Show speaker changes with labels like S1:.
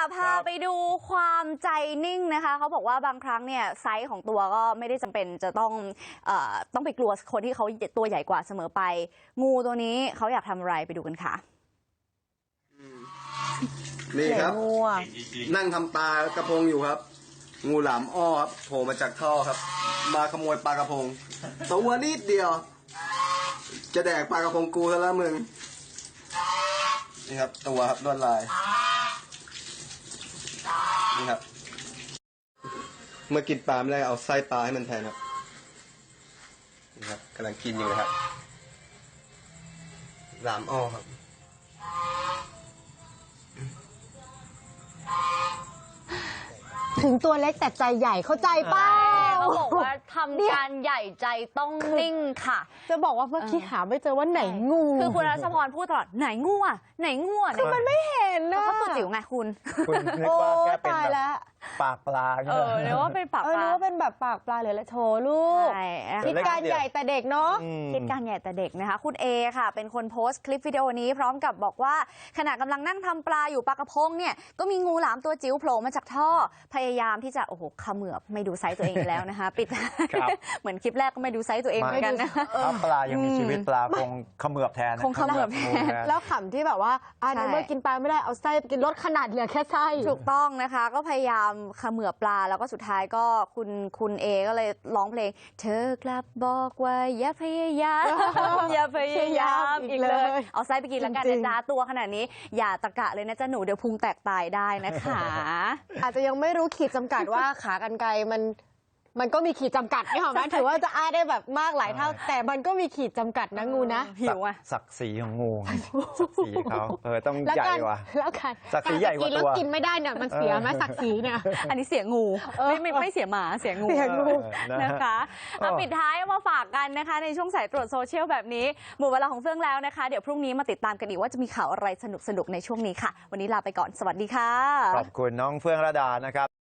S1: พาไปดูความใจนิ่งนะคะเขาบอกว่าบางครั้งเนี่ยไซส์ของตัวก็ไม่ได้จำเป็นจะต้องไปกลัวคนที่เขาตัวใหญ่กว่าเสมอไปงูตัวนี้เขาอยากทำอะไรไปดูกันค่ะ
S2: นี่ครับนั่งทำปลากระพงอยู่ครับงูหลามอ้อครับโผล่มาจากท่อครับมาขโมยปลากระพงตัวนิดเดียวจะแดกปลากระพงกูซะแล้วมึงนี่ครับตัวครับลวดลายนี่ครับเมื่อกินปลาไม่ได้เอาไส้ปลาให้มันแทนครับนี่ครับกำลังกินอยู่นะครับหลามอ้อครับ
S3: ถึงตัวเล็กแต่ใจใหญ่เข้าใจเป้า
S1: เขาบอกว่าทำการใหญ่ใจต้องนิ่งค่ะ
S3: จะบอกว่าเมื่อกี้หาไม่เจอว่าไหนงู
S1: คือคุณรัชพรพูดตลอดไหนงูอ่ะไหนงูอ่ะ
S3: คือมันไม่เห็นนะ
S1: เขาตัวจิ๋วไงคุณ
S4: นึกว่าแค่เป็นแบบปากปลา
S1: นึกว่าเป็นปากปลา
S3: นึกว่าเป็นแบบปากปลาหรืออะไรโถลูกคิดการใหญ่แต่เด็กเนาะ
S1: คิดการใหญ่แต่เด็กนะคะคุณเอค่ะเป็นคนโพสต์คลิปวิดีโอนี้พร้อมกับบอกว่าขณะกำลังนั่งทำปลาอยู่ปลากระพงเนี่ยก็มีงูหลามตัวจิ๋วโผล่มาจากท่อพยายามที่จะโอ้โหเขมือบไม่ดูไซส์ตัวเองแล้วนะคะปิดเหมือนคลิปแรกก็ไม่ดูไซส์ตัวเองเหมือนกันนะ
S4: ถ้าปลายังมีชีวิตปลาคงเขมือบแทน
S1: คงเขมือบแทน
S3: แล้วขำที่แบบว่าในเมื่อกินปลาไม่ได้เอาไส้กินลดขนาดเหลือแค่ไส้
S1: ถูกต้องนะคะก็พยายามเขมือบปลาแล้วก็สุดท้ายก็คุณเอก็เลยร้องเพลงเธอกลับบอกว่าอย่าพยายามอย่าพยายามอีกเลยเอาไส้ไปกินแล้วกันนะจ๊ะตัวขนาดนี้อย่าตะกะเลยนะจ๊ะหนูเดี๋ยวพุงแตกตายได้นะคะ
S3: อาจจะยังไม่รู้ขีดจำกัดว่าขากรรไกรมันก็มีขีดจำกัดนี่หรอไหมถือว่าจะอ้าได้แบบมากหลายเท่าแต่มันก็มีขีดจำกัดนะงูนะ
S1: หิวอ่ะ
S4: ศักดิ์ศรีของงูศักดิ์ศรีเขาต้องใหญ่กว่า
S3: แล้วกัน
S4: ศักดิ์ศรีใหญ่กว่าตัว
S3: แล้วกินไม่ได้เนี่ยมันเสียไหมศักดิ์ศรีเนี่ย
S1: อันนี้เสียงูไม่เสียหมาเสียงูนะคะปิดท้ายมาฝากกันนะคะในช่วงสายตรวจโซเชียลแบบนี้หมดเวลาของเฟื่องแล้วนะคะเดี๋ยวพรุ่งนี้มาติดตามกันอีกว่าจะมีข่าวอะไรสนุกในช่วงนี้ค่ะวันนี้ลาไปก่อนสวัสดีค่ะ
S4: ขอบคุณน้องเฟื่องระดานะครับ